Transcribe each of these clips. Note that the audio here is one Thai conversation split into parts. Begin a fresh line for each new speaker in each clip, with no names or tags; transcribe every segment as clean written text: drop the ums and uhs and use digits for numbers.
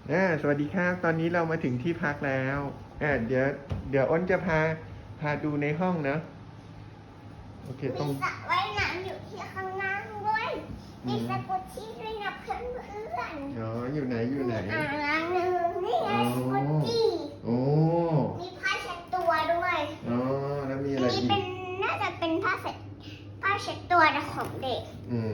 สวัสดีครับตอนนี้เรามาถึงที่พักแล้วเดี๋ยวอ้นจะพาดูในห้องนะโอเค
มีสระว่ายน้ำอยู่ที่ข้างล่างด้วยมีสกุชชี่ด้วยนะเพื่อน
อ๋ออยู่ไหน
มีอ่างล้างมือนี่ไงสกุชชี่
โอ้
มีผ้าเช็ดตัวด้วย
อ๋อแล้วมีอะไร
นี้
อีก
น่าจะเป็นผ้าเช็ดตัวของเด็ก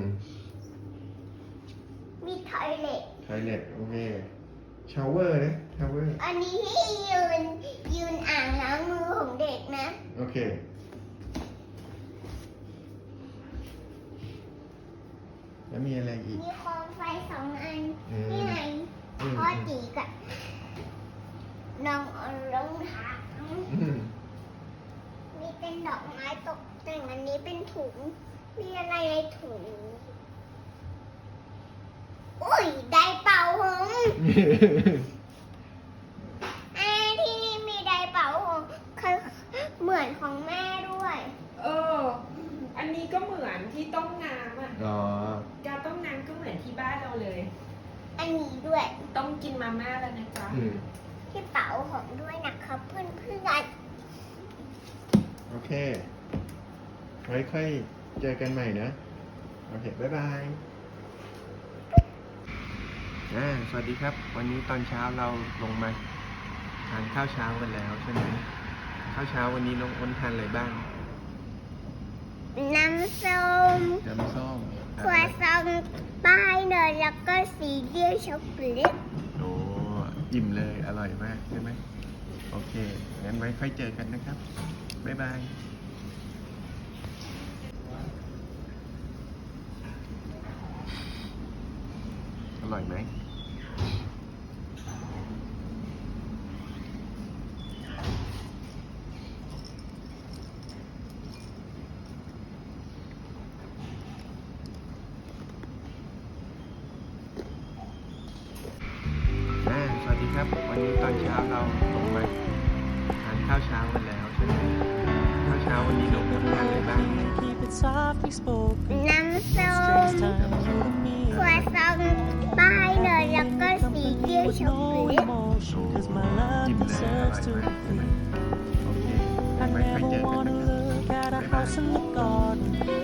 มีทอยเล็ต
โอเคชาวเวอร์นะชาวเวอร์
อันนี้ที่ยืนอ่างล้างมือของเด็กนะ
โอเคแล้วมีอะไรอีก
มีโคมไฟ2 อันนี่ไงพ่อจีกับน้องรองเท้ามีเป็นดอกไม้ตกแต่งอันนี้เป็นถุงมีอะไรในถุงอุ้ยได้เป่าผมที่นี่มีไดร์เป่าผมเหมือนของแม่ด้วย
อันนี้ก็เหมือนที่ต้มน้ำอ่ะการต้มน้ำก็เหมือนที่บ้านเราเลย
อันนี้ด้วย
ต้องกินมาม่าแล้วนะจ๊ะ
ที่เป่าผมด้วยนะครับเพื่อน
โอเคไว้ค่อยเจอกันใหม่นะโอเคบ๊ายบายสวัสดีครับวันนี้ตอนเช้าเราลงมาทานข้าวเช้ากันแล้วใช่ไหมข้าวเช้าวันนี้น้องอ้นทานอะไรบ้าง
น้ำส้มครัวซองป้ายเนยแล้วก็ซีเรียลช็อกโกแลต
โอ้อิ่มเลยอร่อยมากใช่ไหมโอเคงั้นไว้ค่อยเจอกันนะครับบ๊ายบายอร่อยไหมสวัสดีครับวันนี้ตอนเช้าเราลงมาทานข้าวเช้ากันแล้วใช่ไหมข้าวเช้าวันนี้เราทานอะไรบ้าง
น้ำส้มครัวซองป้ายเนยแล้วก็ซีเรียลช็อกโกแลต
อิ่มเลยอร่อยมากใช่ไหมโอเคไว้ค่อยเจอกันนะครับบ๊ายบาย